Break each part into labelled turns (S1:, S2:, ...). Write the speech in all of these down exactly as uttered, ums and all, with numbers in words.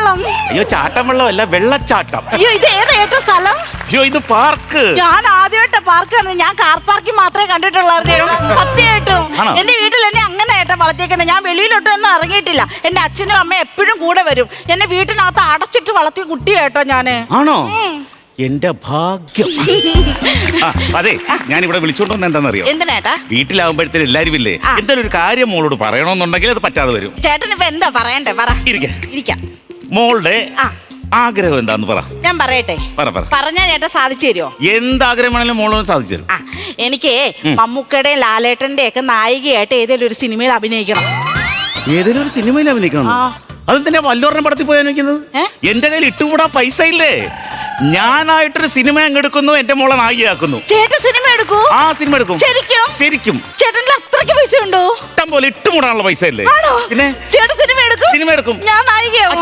S1: വെള്ളം.
S2: അയ്യോ ചാട്ടം വെള്ളം അല്ല, വെള്ളച്ചാട്ടം.
S1: അയ്യോ ഇത് ഏതാ ഏറ്റവും സ്ഥലം?
S2: അയ്യോ ഇത് പാർക്ക്.
S1: ഞാൻ ആദ്യമായിട്ട് പാർക്ക് കണ്ടത്. ഞാൻ കാർ പാർക്കിൽ മാത്രമേ കണ്ടിട്ടുള്ളായിരുന്നു. സത്യമായിട്ടും എന്റെ വീട്ടിൽ എന്നെ അങ്ങനെ ഏട്ടാ വളർത്തിയേക്കുന്നത്. ഞാൻ വെളിയിലോട്ടും ഒന്നും ഇറങ്ങിയിട്ടില്ല. എന്റെ അച്ഛനും അമ്മയും എപ്പോഴും കൂടെ വരും. എന്നെ വീട്ടിനകത്ത് അടച്ചിട്ട് വളർത്തിയ കുട്ടിയേട്ടോ ഞാന്.
S2: ആണോ? എന്റെ ഭാഗ്യം. അതെ, ഞാൻ ഇവിടെ വിളിച്ചോണ്ടോന്ന് എന്താണെന്നറിയോ?
S1: എന്തിനാ?
S2: വീട്ടിലാവുമ്പോഴത്തേനും എല്ലാരും ഇല്ലേ, എന്തായാലും ഒരു കാര്യം മോളോട് പറയണമെന്നുണ്ടെങ്കിൽ അത് പറ്റാതെ വരും.
S1: ചേട്ടൻ ഇപ്പൊ എന്താ പറയണ്ടേ? പറ.
S2: ഇരിക്കാം. മോളുടെ ആഗ്രഹം എന്താന്ന് പറ. ഞാൻ പറയട്ടെ? പറഞ്ഞാ ചേട്ടൻ സാധിച്ചു തരുമോ? എന്താഗ്രഹമാണെങ്കിലും മോളോട് സാധിച്ചു തരും.
S1: എനിക്ക് മമ്മൂക്കയുടെയും ലാലേട്ടന്റെ ഒക്കെ നായികയായിട്ട് ഏതെങ്കിലും ഒരു സിനിമയിൽ അഭിനയിക്കണം.
S2: ഏതെങ്കിലും ഒരു സിനിമയിൽ അഭിനയിക്കണം? അതെന്തിനാ വല്ലോറിനെ പടത്തിൽ പോയി അഭിനയിക്കുന്നത്? എന്റെ കയ്യിൽ ഇട്ടുകൂടാ പൈസ ഇല്ലേ? ഞാനായിട്ടൊരു സിനിമ അങ്ങെടുക്കുന്നു, എന്റെ മോളെ നായികയാക്കുന്നു.
S1: ചേട്ടൻ സിനിമ എടുക്കൂ? ആ സിനിമ എടുക്കും. ശരിക്കും?
S2: ശരിക്കും.
S1: ചേട്ടൻ അത്രയ്ക്ക് പൈസ ഉണ്ടോ?
S2: ഇഷ്ടം പോലെ ഇട്ടുകൂടാനുള്ള പൈസ ഇല്ലേ? പിന്നെ
S1: ചേട്ടൻ സിനിമ എടുക്കും?
S2: സിനിമ എടുക്കും.
S1: ഞാൻ നായികയാവും.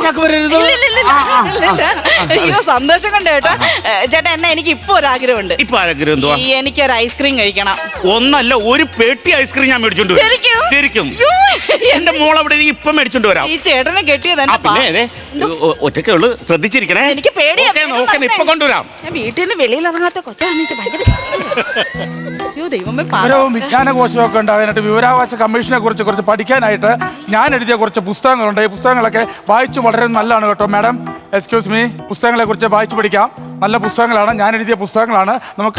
S1: അയ്യോ സന്തോഷം കൊണ്ട് കേട്ടോ. ചേട്ടാ എന്നാ എനിക്ക് ഇപ്പൊ ഒരു ആഗ്രഹമുണ്ട്.
S2: ഇപ്പൊ ആഗ്രഹം എന്തുവാ?
S1: എനിക്കൊരു ഐസ്ക്രീം കഴിക്കണം.
S2: ഒന്നല്ല, ഒരു പെട്ടി ഐസ്ക്രീം ഞാൻ മേടിച്ചോണ്ട് വരും. ശരിക്കും? എന്റെ മോൾ അവിടെ ഇപ്പൊ മേടിച്ചോണ്ട് വരാം.
S1: ഈ ചേട്ടനെ കെട്ടിയത്
S2: പിന്നെ ഒറ്റക്കേ ഉള്ളു, ശ്രദ്ധിച്ചിരിക്കണേ. എനിക്ക് പേടിയാ. ഇപ്പൊ കൊണ്ടുവരാം.
S1: ഞാൻ വീട്ടിൽ നിന്ന് വെളിയിൽ ഇറങ്ങാത്ത കൊച്ചാണ്. എനിക്ക് ഭയങ്കര
S3: വിവരവും വിജ്ഞാനകോശവും ഒക്കെ ഉണ്ടാകാനായിട്ട് വിവരാവകാശ കമ്മീഷനെ കുറിച്ച് കുറച്ച് പഠിക്കാനായിട്ട് ഞാൻ എഴുതിയ കുറച്ച് പുസ്തകങ്ങളുണ്ട്. ഈ പുസ്തകങ്ങളൊക്കെ വായിച്ചു വളരെ നല്ലതാണ് കേട്ടോ മാഡം. എക്സ്ക്യൂസ് മീ, പുസ്തകങ്ങളെ കുറിച്ച് വായിച്ചു പഠിക്കാം. നല്ല പുസ്തകങ്ങളാണ്, ഞാൻ എഴുതിയ പുസ്തകങ്ങളാണ്. നമുക്ക്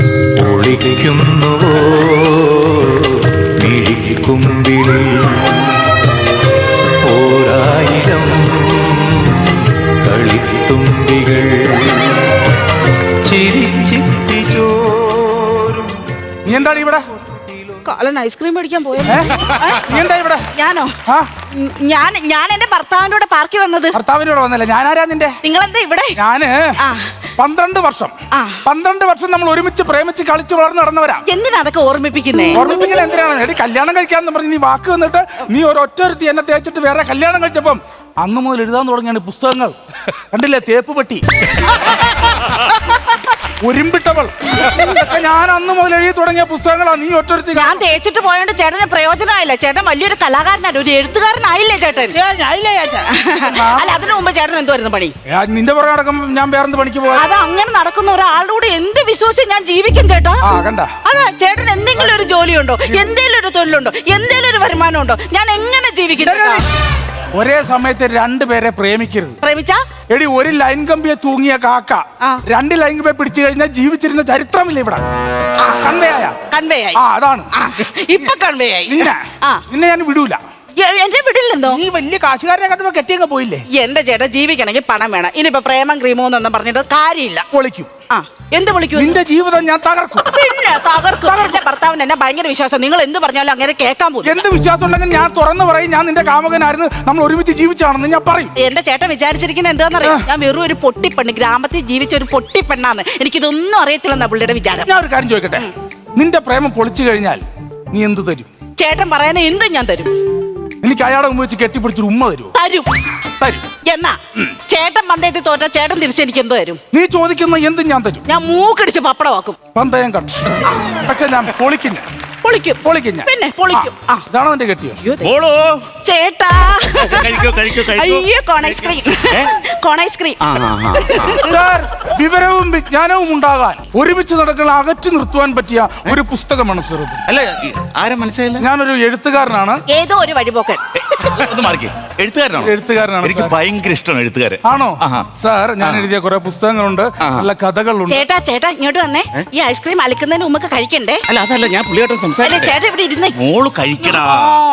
S3: നീ എന്താണ് ഇവിടെ?
S1: കാലൻ ഐസ്ക്രീം മേടിക്കാൻ പോയത്.
S3: നീ എന്താ ഇവിടെ?
S1: ഞാനോ? ഞാൻ ഞാൻ എന്റെ ഭർത്താവിന്റെ കൂടെ പാർക്കിൽ വന്നത്.
S3: ഭർത്താവിന്റെ കൂടെ വന്നല്ലേ? ഞാനാരാ നിന്റെ?
S1: നിങ്ങളെന്താ ഇവിടെ?
S3: ഞാന് പന്ത്രണ്ട് വർഷം പന്ത്രണ്ട് വർഷം നമ്മൾ ഒരുമിച്ച് പ്രേമിച്ച് കളിച്ച് വളർന്ന് നടന്നവരാ.
S1: എന്തിനാ അതൊക്കെ ഓർമ്മിപ്പിക്കുന്നേ?
S3: ഓർമ്മിപ്പിക്കുന്നത് എന്തിനാണ്? എടി കല്യാണം കഴിക്കാന്ന് പറഞ്ഞ് നീ വാക്ക് വന്നിട്ട് നീ ഒരു ഒറ്റൊരുത്തി എന്നെ തേച്ചിട്ട് വേറെ കല്യാണം കഴിച്ചപ്പം അന്ന് മുതൽ എഴുതാൻ തുടങ്ങിയാണ് പുസ്തകങ്ങൾ. കണ്ടില്ലേ, തേപ്പ് പെട്ടി, ഒരുമ്പിട്ടവൾ, ഞാൻ അന്ന് മുതൽ എഴുതി തുടങ്ങിയ പുസ്തകങ്ങളാണ്. നീ ഒറ്റൊരുത്തി.
S1: ഞാൻ തേച്ചിട്ട് പോയോണ്ട് ചേട്ടന് പ്രയോജനമായില്ല. ചേട്ടൻ വലിയൊരു കലാകാരനാണ്, ഒരു എഴുത്തുകാരനായില്ലേ ചേട്ടൻ? അല്ല, അതിനു മുമ്പ് ചേട്ടൻ എന്തുവായിരുന്നു പണി?
S3: നിന്റെ പുറകെ നടക്കുമ്പോ ഞാൻ വേറെ പണിക്ക് പോകാം.
S1: അത് അങ്ങനെ നടക്കുന്ന ഒരാളോട് എന്ത് വിശ്വസിച്ച് ഞാൻ ജീവിക്കും ചേട്ടാ? അതാ ചേട്ടൻ എന്തെങ്കിലും ഒരു ജോലിയുണ്ടോ, എന്തെങ്കിലും ഒരു തൊഴിലുണ്ടോ, എന്തെങ്കിലും ഒരു വരുമാനം ഉണ്ടോ? ഞാൻ എങ്ങനെ ജീവിക്കും?
S3: ഒരേ സമയത്ത് രണ്ടുപേരെ പ്രേമിക്കരുത്.
S1: പ്രേമിച്ചാ
S3: എടി, ഒരു ലൈൻ കമ്പിയെ തൂങ്ങിയ കാക്ക രണ്ട് ലൈൻ കമ്പിയെ പിടിച്ചു കഴിഞ്ഞാൽ ജീവിച്ചിരുന്ന ചരിത്രമില്ല ഇവിടെ. കൺവേയാ
S1: കൺവേയായി.
S3: അതാണ്
S1: ഇപ്പൊ കൺവേയായി.
S3: നിന്നെ നിന്നെ ഞാൻ വിടൂല.
S1: എന്റെ വീട്ടിലെന്തോ
S3: നീ വലിയ കാശുകാരനെ കണ്ടുമ്പോ കെട്ടിയൊക്കെ പോയില്ലേ?
S1: എന്റെ ചേട്ടാ ജീവിക്കണമെങ്കിൽ പണം വേണം. ഇനിയിപ്പോ പ്രേമം ക്രീമോ എന്നൊന്നും പറഞ്ഞിട്ട് കാര്യമില്ല.
S3: പൊളിക്കും.
S1: ആ എന്ത് വിളിക്കും?
S3: നിന്റെ ജീവിതം ഞാൻ തകർക്കും.
S1: പിന്നെ തകർക്കും. എന്റെ ഭർത്താവിന് എന്നെ ഭയങ്കര വിശ്വാസം. നിങ്ങൾ എന്ത് പറഞ്ഞാലും അങ്ങനെ കേൾക്കാൻ പോകും.
S3: എന്ത് വിശ്വാസം ഉണ്ടെങ്കിൽ ഞാൻ തുറന്നു പറയും, ഞാൻ നിന്റെ കാമുകനായിരുന്നു, നമ്മൾ ഒരുമിച്ച് ജീവിച്ചാണെന്ന് ഞാൻ പറയും.
S1: എന്റെ ചേട്ടൻ വിചാരിച്ചിരിക്കുന്നത് എന്താണെന്നറിയാം? ഞാൻ വെറും ഒരു പൊട്ടിപ്പെണ്ണ്, ഗ്രാമത്തിൽ ജീവിച്ച ഒരു പൊട്ടിപ്പെണ്ണാന്ന്. എനിക്കിതൊന്നും അറിയത്തില്ലെന്നാ പുള്ളിയുടെ വിചാരം.
S3: ഞാൻ ഒരു കാര്യം ചോദിക്കട്ടെ, നിന്റെ പ്രേമം പൊളിച്ചു കഴിഞ്ഞാൽ നീ എന്ത് തരും?
S1: ചേട്ടൻ പറയുന്ന എന്തും ഞാൻ തരും.
S3: എനിക്ക് അയാളെ മുമ്പ് വെച്ച് കെട്ടിപ്പിടിച്ചൊരു ഉമ്മ തരുമോ?
S1: തരും.
S3: തരും.
S1: എന്നാ ചേട്ടൻ പന്തയത്തിൽ തോറ്റ ചേട്ടൻ തിരിച്ച് എനിക്ക് എന്തോ തരും?
S3: നീ ചോദിക്കുന്ന എന്തും ഞാൻ തരും.
S1: ഞാൻ മൂക്കടിച്ച് പപ്പടമാക്കും.
S3: പന്തയം കട്ടു. പക്ഷെ ഞാൻ പൊളിക്കുന്ന
S1: പൊളിക്കും.
S3: പൊളിക്കും ഞാൻ.
S1: പിന്നെ പൊളിക്കും.
S3: ഇതാണോ എന്റെ കെട്ടിയോ?
S1: ചേട്ടാ അയ്യോ കോൺ ഐസ്ക്രീം, കോൺ ഐസ്ക്രീം.
S3: വിവരവും വിജ്ഞാനവും ഉണ്ടാകാൻ ഒരുമിച്ച് നടക്കുന്ന അകറ്റി നിർത്തുവാൻ പറ്റിയ ഒരു പുസ്തകമാണ് ചെറുത്.
S2: അല്ല, ആരും മനസ്സിലായില്ല.
S3: ഞാനൊരു എഴുത്തുകാരനാണ്.
S1: ഏതോ ഒരു വഴിപോക്കൻ.
S2: എഴുത്തുകാരനാണ്.
S3: എഴുത്തുകാരനാണ്.
S2: എനിക്ക് ഭയങ്കര ഇഷ്ടമാണ് എഴുത്തുകാരൻ.
S3: ആണോ സാർ? ഞാൻ എഴുതിയ കുറെ പുസ്തകങ്ങളുണ്ട്, നല്ല കഥകളുണ്ട്.
S1: ചേട്ടാ ചേട്ടാ ഇങ്ങോട്ട് വന്നേ. ഈ ഐസ്ക്രീം അലിക്കുന്നതിന് മുമ്പ് കഴിക്കണ്ടേ?
S2: അല്ല അതല്ല, ഞാൻ പുള്ളിയായിട്ട് സംസാരിക്കും.
S1: ചേട്ടാ ഇവിടെ ഇരുന്നേ.
S2: മോള് കഴിക്കടാ.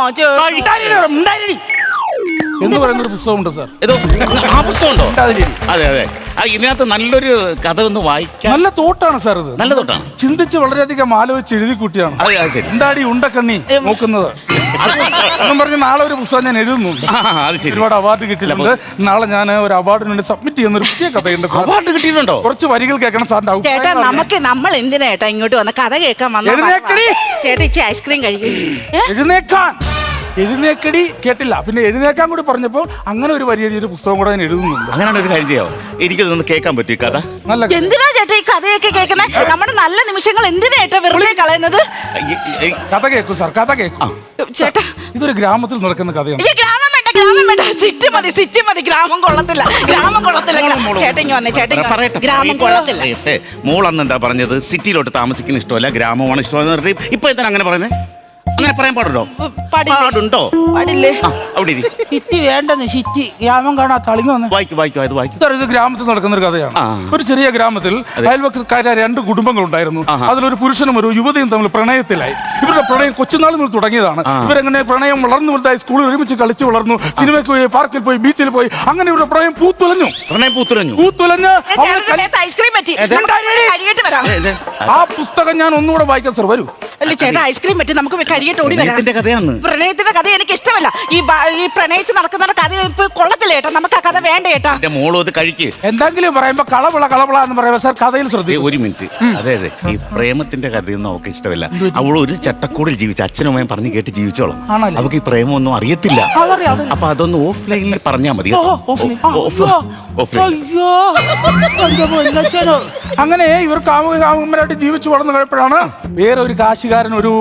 S3: എന്ന് പറയുന്ന ഒരു പുസ്തകമുണ്ട് സാർ.
S2: ഏതോ ആ പുസ്തകമുണ്ടോ? അതെ അതെ. ഇതിനകത്ത് നല്ലൊരു കഥ ഒന്ന് വായിക്കാൻ.
S3: നല്ല തോട്ടാണ് സാർ ഇത്.
S2: നല്ല തോട്ടാണ്.
S3: ചിന്തിച്ച് വളരെയധികം ആലോചിച്ച് എഴുതി കൂട്ടിയാണ്. എന്താടി ഉണ്ടക്കണ്ണി നോക്കുന്നത് എന്നും പറഞ്ഞ് നാളെ ഒരു പുസ്തകം ഞാൻ എഴുതുന്നുണ്ട്. ഒരുപാട് അവാർഡ് കിട്ടിയിട്ടുണ്ട്. നാളെ ഞാൻ ഒരു അവാർഡിന് വേണ്ടി സബ്മിറ്റ് ചെയ്യുന്ന ഒരു പുതിയ കഥയുണ്ട്.
S2: അവാർഡ് കിട്ടിയിട്ടുണ്ടോ?
S3: കുറച്ച് വരികൾ കേൾക്കണം സാറിന്റെ.
S1: ചേട്ടാ നമുക്ക് നമ്മൾ എന്തിനാ ചേട്ടാ ഇങ്ങോട്ട് വന്ന കഥ കേൾക്കാൻ വന്ന? ചേട്ടാ ഇച്ചി ഐസ്ക്രീം കഴിക്കും.
S3: എഴുന്നേക്കാൻ എഴുന്നേക്കടി കേട്ടില്ല. പിന്നെ എഴുന്നേക്കാൻ കൂടി പറഞ്ഞപ്പോൾ അങ്ങനെ ഒരു വരി ഒരു പുസ്തകം കൂടെ ഞാൻ എഴുതുന്നുണ്ട്.
S2: അങ്ങനെയാണ് ഒരു കാര്യം ചെയ്യാവോ? എനിക്കതൊന്ന് കേൾക്കാൻ പറ്റും ഈ കഥ.
S1: നല്ല എന്തിനാ ചേട്ടാ ഈ കഥയൊക്കെ കേൾക്കുന്നത്? നമ്മുടെ നല്ല നിമിഷങ്ങൾ എന്തിനാ ചേട്ടാ വെറുതെ കളയുന്നത്?
S3: കഥ കേൾക്കൂ സാർ, കഥ കേൾക്കൂ ചേട്ടാ. ഇതൊരു ഗ്രാമത്തിൽ നടക്കുന്ന കഥയാണ്.
S1: ഗ്രാമം വേണ്ട, ഗ്രാമം വേണ്ട, സിറ്റി മതി, സിറ്റി മതി. ഗ്രാമം കൊള്ളത്തില്ല, ഗ്രാമം കൊള്ളത്തില്ല. ചേട്ടങ്ങി വന്നേ, ചേട്ടങ്ങി
S2: പറയട്ടെ,
S1: ഗ്രാമം കൊള്ളത്തില്ല.
S2: പറയട്ടെ. മോളന്ന് എന്താ പറഞ്ഞത്? സിറ്റിയിലോട്ട് താമസിക്കുന്ന ഇഷ്ടമല്ല, ഗ്രാമമാണ് ഇഷ്ടമെന്ന് പറഞ്ഞിട്ട് ഇപ്പൊ എന്താണ് അങ്ങനെ പറയുന്നത്? അങ്ങനെ പറയാൻ പാടുണ്ടോ?
S1: പാടില്ലേ?
S2: പാടുണ്ടോ?
S1: പാടില്ലേ?
S2: ആ, അവിടെ ഇരി.
S3: സിറ്റി വേണ്ടെന്ന്, സിറ്റി ഗ്രാമം കാണാ തളിങ്ങ വന്ന്
S2: വായിക്കും വായിക്കും അത് വായിക്കും.
S3: സാർ, ഇത് ഗ്രാമത്തിൽ നടക്കുന്ന ഒരു കഥയാണ്.
S2: ആ.
S3: ഒരു ചെറിയ ഗ്രാമത്തിൽ അയൽവക്കാരായ രണ്ട് കുടുംബങ്ങളുണ്ടായിരുന്നു.
S2: ആഹാ.
S3: അതിലൊരു പുരുഷനും ഒരു യുവതിയും തമ്മിൽ പ്രണയത്തിലായി. ഇവരുടെ പ്രണയം കൊച്ചുനാൾ മുതൽ തുടങ്ങിയതാണ്.
S2: ആ.
S3: ഇവരെങ്ങനെ പ്രണയം വളർന്നു വലുതായി, സ്കൂളിൽ ഒരുമിച്ച് കളിച്ചു വളർന്നു, സിനിമയ്ക്ക് പോയി, പാർക്കിൽ പോയി, ബീച്ചിൽ പോയി. അങ്ങനെ ഇവരുടെ പ്രണയം പൂത്തുലഞ്ഞു
S2: പ്രണയം പൂത്തുലഞ്ഞു.
S3: പൂത്തുലഞ്ഞ്
S1: ഏ,
S3: അവൾ
S1: ചേട്ടന്റെ
S3: കൽ-
S1: മേത്ത് ഐസ്ക്രീം പറ്റി.
S2: ഏത്?
S1: നമുക്ക് കഴിയിട്ട് വരാം.
S2: ഏ, ഇത്
S3: ആ പുസ്തകം ഞാൻ ഒന്നുകൂടെ വായിക്കാം സാർ, വരൂ.
S1: അല്ല ചേട്ടാ, ഐസ്ക്രീം പറ്റി, നമുക്ക് കഴിയിട്ട് ഓടി വരാം.
S2: പ്രണയത്തിന്റെ കഥയാന്ന്.
S1: പ്രണയത്തിന്റെ കഥ എനിക്ക് ഇഷ്ടമല്ല. ഈ ബ- ഈ പ്രണയിച്ച് നടക്കുന്ന കഥ ഇപ്പൊ കൊള്ളത്തില്ല ചേട്ടാ. നമുക്ക് ആ കഥ വേണ്ട ചേട്ടാ.
S2: എന്റെ മോളും അത് കഴിക്ക്.
S3: എന്തെങ്കിലും പറയുമ്പോ കളവിള കളവിള എന്ന് പറയുമ്പോ സാർ കഥയിൽ
S2: ദേ,
S3: ശ്രദ്ധിക്കും.
S2: ഒരു മിനിറ്റ്. അതെ അതെ, ഈ പ്രേമത്തിന്റെ കഥയൊന്നും അവൾക്ക് ഇഷ്ടമല്ല. അവൾ ഒരു ചട്ടക്കൂടിൽ ജീവിച്ച അച്ഛനും അമ്മയും പറഞ്ഞു കേട്ട് ജീവിച്ചോളാം.
S3: ആണല്ലേ?
S2: അവൾക്ക് ഈ പ്രേമൊന്നും അറിയത്തില്ല.
S3: അതറിയാം, അതറിയാം.
S2: അപ്പൊ അതൊന്ന് ഓഫ്ലൈനിൽ പറഞ്ഞാൽ മതി.
S3: ഓ, ഓഫ്ലൈൻ. ആ,
S2: ഓഫ്- ഓഫ്ലൈൻ.
S3: അയ്യോ, എന്റെ പൊന്നച്ഛനോ. അങ്ങനെ ഇവർ കാമുക കാമുകന്മാരായിട്ട് ജീവിച്ചു വളർന്നു കഴിയുമ്പോഴാണ് വേറെ ഒരു കാശുകാരൻ, ഒരു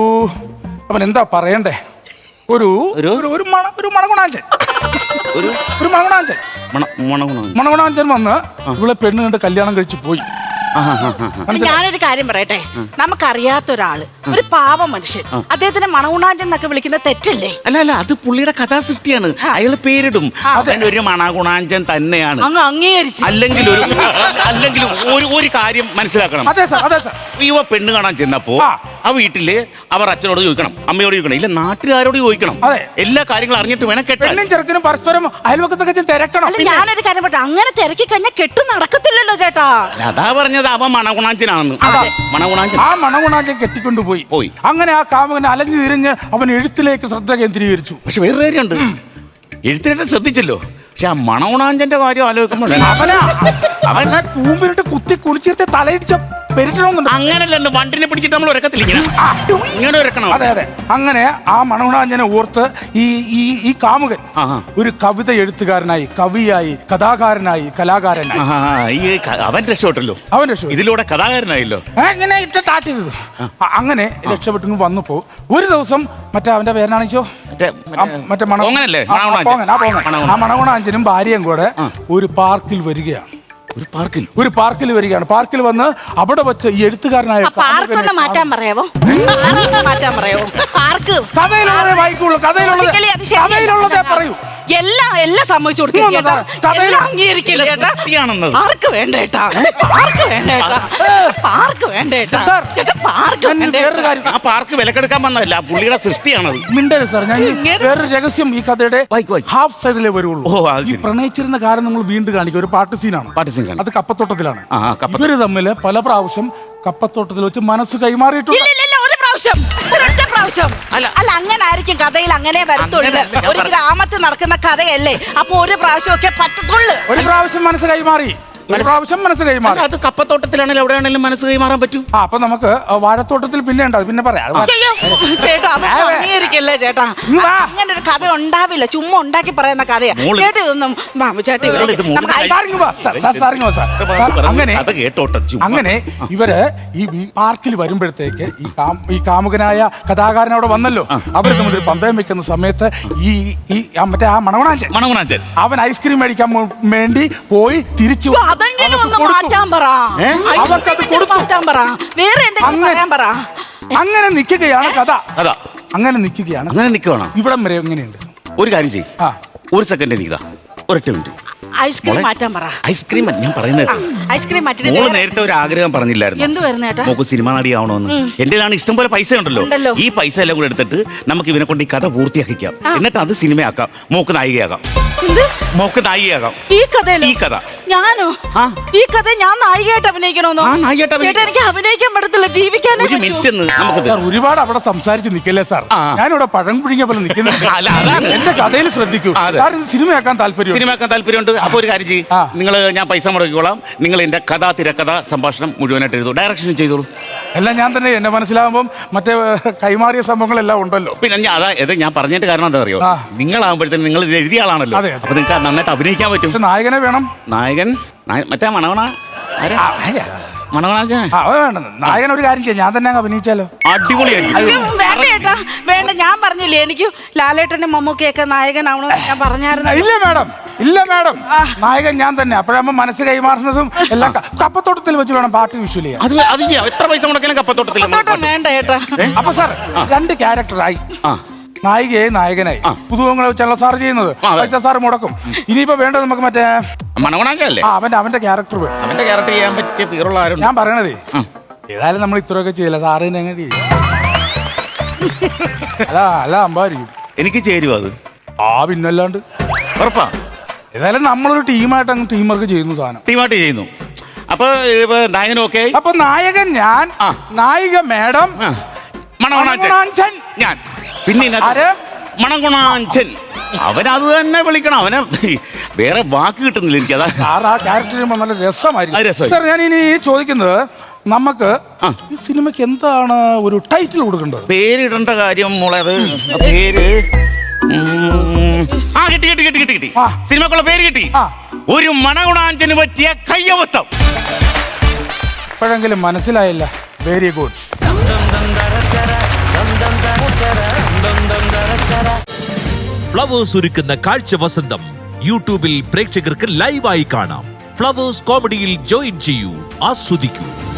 S3: അവൻ എന്താ പറയണ്ടേ, ഒരു
S2: ഒരു-
S3: ഒരു- ഒരു മണ ഒരു മണഗുണാഞ്ചൻ
S2: ഒരു
S3: ഒരു മണഗുണാഞ്ചൻ
S2: മണ- മണഗുണം.
S3: മണഗുണാഞ്ചൻ വന്ന് ഇവളെ പെണ്ണ് കണ്ട് കല്യാണം കഴിച്ച് പോയി.
S2: ആഹാ, ആഹാ, ആഹാ.
S1: ഞാനൊരു കാര്യം പറയട്ടെ. നമുക്കറിയാത്ത ഒരാള്, ഒരു പാവ മനുഷ്യൻ, അദ്ദേഹത്തിന് മണഗുണാഞ്ചൻ എന്നൊക്കെ വിളിക്കുന്ന തെറ്റല്ലേ?
S2: അല്ല അല്ല, അത് പുള്ളിയുടെ കഥാസൃഷ്ടിയാണ്. അയാൾ പേരിടും, അവൻ ഒരു മണഗുണാഞ്ചൻ തന്നെയാണ്.
S1: അങ്ങ് അംഗീകരിച്ച്.
S2: അല്ലെങ്കിൽ ഒരു അല്ലെങ്കിൽ ഒരു ഒരു കാര്യം മനസ്സിലാക്കണം.
S3: അതെ സാർ, അതെ സാർ.
S2: യുവ പെണ്ണ് കാണാൻ ചെന്നപ്പോ
S3: ആ.
S2: ആ വീട്ടില് അവർ അച്ഛനോട് ചോദിക്കണം, അമ്മയോട് ചോദിക്കണം, ഇല്ല നാട്ടുകാരോട് ചോദിക്കണം.
S3: അതെ.
S2: എല്ലാ കാര്യങ്ങളും അറിഞ്ഞിട്ട് വേണം കെട്ടാൻ.
S3: പെണ്ണും ചെറുക്കനും പരസ്പരം അയൽവക്കത്തൊക്കെ ചെന്ന് തിരക്കണം.
S1: അല്ല, ഞാനൊരു കാര്യം പറയട്ടെ, അങ്ങനെ തിരക്കി കഴിഞ്ഞാൽ കെട്ട് നടക്കത്തില്ലല്ലോ ചേട്ടാ.
S2: അല്ല, അതാ പറഞ്ഞത് അവൻ മണഗുണാഞ്ചനാണെന്ന്.
S3: അതാ.
S2: മണഗുണാഞ്ചൻ.
S3: ആ മണഗുണാഞ്ചൻ കെട്ടിക്കൊണ്ടുപോയി.
S2: പോയി.
S3: അങ്ങനെ ആ കാമുകൻ അലഞ്ഞു തിരിഞ്ഞ് അവൻ എഴുത്തിലേക്ക് ശ്രദ്ധ കേന്ദ്രീകരിച്ചു.
S2: പക്ഷെ വേറെ കാര്യമുണ്ട്, എഴുത്തിനായിട്ട് ശ്രദ്ധിച്ചല്ലോ. പക്ഷെ ആ മണഗുണാഞ്ചന്റെ കാര്യം ആലോചിക്കുമ്പോൾ
S3: അവനാ അവനെ കൂമ്പിലിട്ട് കുത്തി കുളിച്ചിട്ട് തലയിടിച്ച പെരിട്ടണമെന്നുണ്ട്.
S2: അങ്ങനല്ലെന്ന് വണ്ടിനെ പിടിച്ചിട്ട് നമ്മൾ ഉരക്കത്തില്ല, ഇങ്ങനെ ഇങ്ങനെ ഉരക്കണം.
S3: അതെ അതെ. അങ്ങനെ ആ മണഗുണാഞ്ചനെ ഓർത്ത് ഈ ഈ ഈ കാമുകൻ
S2: ആഹാ.
S3: ഒരു കവിത എഴുത്തുകാരനായി, കവിയായി, കഥാകാരനായി, കലാകാരനായി.
S2: ആഹാ, ഈ ക- അവൻ രക്ഷപ്പെട്ടല്ലോ.
S3: അവൻ രക്ഷപ്പെട്ടു.
S2: ഇതിലൂടെ കഥാകാരനായല്ലോ.
S3: ഏ, ഇങ്ങനെ ഇട്ട് താറ്റ് ചെയ്തത്. അ- അങ്ങനെ രക്ഷപ്പെട്ടു വന്നപ്പോ ഒരു ദിവസം മറ്റേ അവന്റെ പേരാണിച്ചോ
S2: മറ്റേ
S3: മറ്റേ മണ
S2: പോങ്ങനല്ലേ?
S3: ആ, ആ,
S2: മണഗുണാഞ്ചൻ.
S3: പോങ്ങൻ, ആ പോങ്ങൻ.
S2: മണഗുണാഞ്ചൻ.
S3: ആ മണഗുണാഞ്ചനും ഭാര്യയും കൂടെ ഒരു പാർക്കിൽ വരികയാണ്.
S2: ഒരു പാർക്കിൽ
S3: ഒരു പാർക്കിൽ വരികയാണ്. പാർക്കിൽ വന്ന് അവിടെ വെച്ച് ഈ എഴുത്തുകാരനായ
S1: ആ പാർക്കൊന്ന് മാറ്റാൻ പറയാവോ? പാർക്ക് മാറ്റാൻ പറയാവോ? പാർക്ക്
S3: കഥയിലുള്ളതേ വായിക്കുള്ളൂ. കഥയിലുള്ളത്
S1: ഒരിക്കലും അത് ശരിയല്ല.
S3: കഥയിലുള്ളതേ പറയൂ.
S1: എല്ലാം എല്ലാം സമ്മതിച്ചു കൊടുക്കില്ല
S3: ഉം,
S1: ചേട്ടാ.
S3: കഥയില്
S1: എല്ലാം അംഗീകരിക്കില്ല ചേട്ടാ.
S2: സത്യമാണെന്നത്.
S1: പാർക്ക് വേണ്ട ചേട്ടാ. പാർക്ക് വേണ്ട ചേട്ടാ. പാർക്ക് വേണ്ട ചേട്ടാ.
S3: സാർ,
S1: ചേട്ടാ പാർക്ക്
S3: ഞാൻ
S1: വേണ്ട
S3: വേറൊരു
S1: ചേട്ടാ.
S3: കാര്യം
S2: ആ പാർക്ക് വിലക്കെടുക്കാൻ വന്നതല്ല, ആ പുള്ളിയുടെ സൃഷ്ടിയാണത്.
S3: മിണ്ടരുത് സാർ. ഞാൻ ഈ
S1: ഇങ്ങനെ-
S3: വേറൊരു രഹസ്യം ഈ കഥയുടെ
S2: വായിക്ക്, വായിക്ക്.
S3: ഹാഫ് സൈഡിലേ വരുള്ളൂ.
S2: ഓ, അത്
S3: ഈ
S2: ശരി.
S3: പ്രണയിച്ചിരുന്ന കാര്യം നമ്മൾ വീണ്ടും കാണിക്കും. ഒരു പാട്ട് സീനാണ്.
S2: പാട്ട് scene കാണാം.
S3: അത് കപ്പത്തോട്ടത്തിലാണ്.
S2: ആ, ആ, കപ്പത്തോട്ടം.
S3: ഇവര് തമ്മിൽ പല പ്രാവശ്യം കപ്പത്തോട്ടത്തിൽ വെച്ച് മനസ്സ് കൈമാറിയിട്ടുണ്ട്.
S1: ഇല്ല ഇല്ല ഇല്ല, ഒരു പ്രാവശ്യം, ഒരൊറ്റ പ്രാവശ്യം.
S2: അല്ല.
S1: അല്ല, അങ്ങനെ ആയിരിക്കും കഥയിൽ അങ്ങനെ വരത്തുള്ളൂ.
S2: അങ്ങനെയല്ല ഞാൻ
S1: ഒരു
S2: പറഞ്ഞത്.
S1: ഗ്രാമത്തിൽ നടക്കുന്ന കഥയല്ലേ, അപ്പൊ ഒരു പ്രാവശ്യം ഒക്കെ പറ്റത്തുള്ളൂ.
S3: ഒരു പ്രാവശ്യം മനസ്സ് കൈമാറി, ഒരു
S2: മനസ്സ്-
S3: പ്രാവശ്യം മനസ്സ് കൈമാറി.
S2: അല്ല, അത് കപ്പത്തോട്ടത്തിലാണെങ്കിലും എവിടെയാണെങ്കിലും മനസ്സ് കൈമാറാൻ പറ്റൂ.
S3: ആ, അപ്പൊ നമുക്ക് വാഴത്തോട്ടത്തിൽ പിന്നെ ഉണ്ട്. അത് പിന്നെ പറയാം. അത് പറയാം.
S1: അയ്യോ, ചേട്ടാ അത് അംഗീകരിക്കല്ലേ ചേട്ടാ.
S3: ഇങ്ങ് വാ.
S1: അങ്ങനെ ഒരു കഥ ഉണ്ടാവില്ല, ചുമ്മാ ഉണ്ടാക്കി പറയുന്ന കഥയാ.
S2: മോള്-
S1: ചേട്ടാ ഇതൊന്നും മാമു ചേട്ടാ
S2: മോള്
S1: ഇവിടെ
S2: ഇത് മോള്
S1: നമുക്ക് ഐസ്
S3: സാർ ഇങ്ങ് വാ, സാർ, സാർ, സാർ ഇങ്ങ് വാ, സാർ. സാർ, അങ്ങനെ
S2: അത് കേട്ടോട്ടെ ചുമ്മാ.
S3: അങ്ങനെ ഇവര് ഈ ഈ പാർക്കിൽ വരുമ്പോഴത്തേക്ക് ഈ കാം- ഈ കാമുകനായ കഥാകാരൻ അവിടെ വന്നല്ലോ. അവർ തമ്മിൽ ഒരു പന്തയം വെക്കുന്ന സമയത്ത് ഈ ഈ ആ മറ്റേ ആ മണവണാഞ്ചൻ
S2: മണഗുണാഞ്ചൻ
S3: അവൻ ഐസ്ക്രീം മേടിക്കാൻ മോ- വേണ്ടി പോയി തിരിച്ചു
S1: അയ്യോ, അതെങ്കിലും
S3: അവർക്ക്
S1: ഒന്ന്
S3: കൊടുത്തു.
S1: മാറ്റാൻ പറ.
S2: ഏ?
S1: ഐസ്ക്രീം
S3: അവർക്കത്
S1: ഇങ്ങനെ
S3: കൊടുത്തു.
S1: മാറ്റാൻ പറ. വേറെ എന്തെങ്കിലും
S3: അങ്ങനെ-
S1: പറയാൻ പറ.
S3: അങ്ങനെ നിൽക്കുകയാണ് കഥ.
S2: അതാ
S3: അങ്ങനെ നിൽക്കുകയാണ്.
S2: അങ്ങനെ നിൽക്കുവാണോ?
S3: ഇവിടം വരെ എങ്ങനെയുണ്ട്?
S2: ഒരു കാര്യം ചെയ്യും,
S3: ആ,
S2: ഒരു സെക്കൻഡ് എനിക്കിതാ, ഒരൊറ്റ മിനിറ്റ്.
S1: ഐസ്ക്രീം
S2: മോളെ,
S1: മാറ്റാൻ പറ.
S2: ഐസ്ക്രീം ഞാൻ പറയുന്നത്.
S1: ഐസ്ക്രീം മാറ്റിട്ട്
S2: മോള്
S1: വേറെ-
S2: നേരത്തെ ഒരു ആഗ്രഹം പറഞ്ഞില്ലായിരുന്നു,
S1: എന്ത് വരുന്ന ചേട്ടാ?
S2: മോക്ക് സിനിമ നടിയാവണമെന്ന്. എന്റെ കയ്യിലാണ് ഇഷ്ടം പോലെ പൈസ ഉണ്ടല്ലോ.
S1: ഉണ്ടല്ലോ.
S2: ഈ പൈസ എല്ലാം കൂടെ എടുത്തിട്ട് നമുക്ക് ഇവനെ കൊണ്ട് ഈ കഥ പൂർത്തിയാക്കിക്കാം. എന്നിട്ട് അത് സിനിമയാക്കാം, മോക്ക് നായികയാകാം.
S1: എന്ത്?
S2: മോക്ക് നായികയാകാം.
S1: ഈ കഥയിലോ?
S2: ഈ കഥ
S1: ഞാനോ?
S2: ആ.
S1: ഈ കഥ ഞാൻ നായികയായിട്ട് അഭിനയിക്കണമെന്നോ?
S2: ആ, നായികയായിട്ട്
S1: ചേട്ടാ
S2: അഭിനയിക്കാം.
S1: എനിക്ക് അഭിനയിക്കാൻ പറ്റത്തില്ല, ജീവിക്കാനേ
S2: ഒരു
S1: പറ്റൂ.
S2: മിനിറ്റ് നമുക്ക്
S3: സാർ ഒരുപാട് അവിടെ സംസാരിച്ച് നിൽക്കല്ലേ സാർ.
S2: ആ.
S3: ഞാനിവിടെ പഴം പുഴിഞ്ഞ പോലെ നിൽക്കുന്നുണ്ട്.
S2: അല്ല, അതാണ്.
S3: എന്റെ കഥയിൽ ശ്രദ്ധിക്കൂ.
S2: ആ, അതെ.
S3: സാർ ഇത് സിനിമയാക്കാൻ താല്പര്യം.
S2: സിനിമയാക്കാൻ താല്പര്യമുണ്ട്. അപ്പൊ ഒരു കാര്യം ചെയ്യും,
S3: ആ.
S2: നിങ്ങൾ ഞാൻ പൈസ മുടക്കിക്കോളാം, നിങ്ങൾ എന്റെ കഥ തിരക്കഥ സംഭാഷണം മുഴുവനായിട്ട് എഴുതൂ, ഡയറക്ഷൻ ചെയ്തോളൂ.
S3: എല്ലാം ഞാൻ തന്നെ. എന്നെ മനസ്സിലാകുമ്പോൾ മറ്റേ ഏഹ്, കൈമാറിയ സംഭവങ്ങളെല്ലാം ഉണ്ടല്ലോ.
S2: പിന്നെ ഞാൻ അതാ ഇത് ഞാൻ പറഞ്ഞിട്ട് കാരണം എന്താ അറിയോ,
S3: ആ.
S2: നിങ്ങളാകുമ്പോഴത്തേനും നിങ്ങൾ ഇത് എഴുതിയ ആളാണല്ലോ.
S3: അതെ, അതെ.
S2: അപ്പൊ നിങ്ങൾക്ക് നന്നായിട്ട് അഭിനയിക്കാൻ പറ്റും.
S3: പക്ഷെ നായകനെ വേണം.
S2: നായകൻ നായ- മറ്റേ മണവണ ആരാ?
S3: ആ, അല്ല.
S2: മണവണാഞ്ചൻ
S3: ആ അത് വേണ്ട നായകൻ ഒരു കാര്യം ചെയ്യാം ഞാൻ തന്നെ അങ്ങ് അഭിനയിച്ചാലോ
S2: അടിപൊളിയായിരിക്കും.
S1: അയ്യോ, വേണ്ട ഏട്ടാ വേണ്ട. ഞാൻ പറഞ്ഞില്ലേ എനിക്ക് ലാലേട്ടന്റെ മമ്മൂക്കയൊക്കെ നായകനാവണമെന്ന് ഞാൻ പറഞ്ഞായിരുന്നു.
S3: ഇല്ല മാഡം ഇല്ല മാഡം നായകൻ ഞാൻ തന്നെ. അപ്പോഴാകുമ്പോ മനസ്സ് കൈമാറുന്നതും എല്ലാം ക- കപ്പത്തോട്ടത്തിൽ വെച്ച് വേണം പാട്ട് വിഷ്വൽ ചെയ്യാൻ.
S2: അത് അത് ചെയ്യാം. എത്ര പൈസ മുടക്കിയാലും കപ്പത്തോട്ടത്തിൽ നമ്മൾ
S1: കപ്പത്തോട്ടം വേണ്ട ഏട്ടാ.
S3: അപ്പൊ സാർ രണ്ട് ക്യാരക്ടറായി,
S2: ആ
S3: നായികയായി നായകനായി. പുതുമുഖങ്ങളെ വെച്ചാണല്ലോ സാർ ചെയ്യുന്നത്.
S2: ആ, അതെ.
S3: പൈസ സാർ മുടക്കും. ഇനിയിപ്പോ വേണ്ടത് നമുക്ക് മറ്റേ
S2: മണവണാഞ്ചല്ലേ
S3: ആ അവന്റെ അവന്റെ ക്യാരക്ടർ വേണം.
S2: അവന്റെ ക്യാരക്ടർ ചെയ്യാൻ പറ്റിയ ഫീറുള്ള ആരും
S3: ഞാൻ പറയണതേ ഏതായാലും നമ്മൾ ഇത്രയൊക്കെ ചെയ്യില്ല, സാറ് തന്നെ എങ്ങനെ ചെയ്യും? അല്ല അല്ല അമ്പായിരിക്കും
S2: എനിക്ക് ചേരുവോ അത്?
S3: ആ പിന്നല്ലാണ്ട്.
S2: ഉറപ്പാ?
S3: ഏതായാലും നമ്മളൊരു ടീമായിട്ട് അങ്ങ് ടീം വർക്ക് ചെയ്യുന്നു സാധനം.
S2: ടീമായിട്ട് ചെയ്യുന്നു. അപ്പൊ ഇപ്പൊ നായകനും ഓക്കെ ആയി.
S3: അപ്പൊ നായകൻ ഞാൻ,
S2: ആ.
S3: നായിക മാഡം,
S2: മണവണാഞ്ചൻ
S3: മണവണാഞ്ചൻ.
S2: ഞാൻ. പിന്നെ ഇതിനകത്ത്
S3: ആര്?
S2: മണകുണാഞ്ചൻ. അവനത് തന്നെ വിളിക്കണം. അവനെ വേറെ വാക്ക് കിട്ടുന്നില്ല എനിക്ക്. അതാ
S3: സാർ ആ ക്യാരക്ടർ ചെയ്യുമ്പോൾ നല്ല
S2: ആ,
S3: രസമായിരിക്കും.
S2: രസമായി.
S3: സാർ ഞാൻ ഇനി ചോദിക്കുന്നത് നമുക്ക്
S2: ആ.
S3: ഈ സിനിമയ്ക്ക് എന്താണ് ഒരു ടൈറ്റിൽ കൊടുക്കേണ്ടത്?
S2: പേരിടേണ്ട കാര്യം മോളെ. അത് പേര് ഉം, ആ കിട്ടി കിട്ടി കിട്ടി കിട്ടി കിട്ടി
S3: ആ.
S2: സിനിമക്കുള്ള പേര് കിട്ടി.
S3: ആ.
S2: ഒരു മണകുണാഞ്ചന് പറ്റിയ കയ്യവത്തം.
S3: ഇപ്പോഴെങ്കിലും മനസ്സിലായില്ല. Very good.
S4: ഫ്ലവേഴ്സ് ഒരുക്കുന്ന കാഴ്ച വസന്തം യൂട്യൂബിൽ പ്രേക്ഷകർക്ക് ലൈവായി കാണാം. ഫ്ലവേഴ്സ് കോമഡിയിൽ ജോയിൻ ചെയ്യൂ, ആസ്വദിക്കൂ.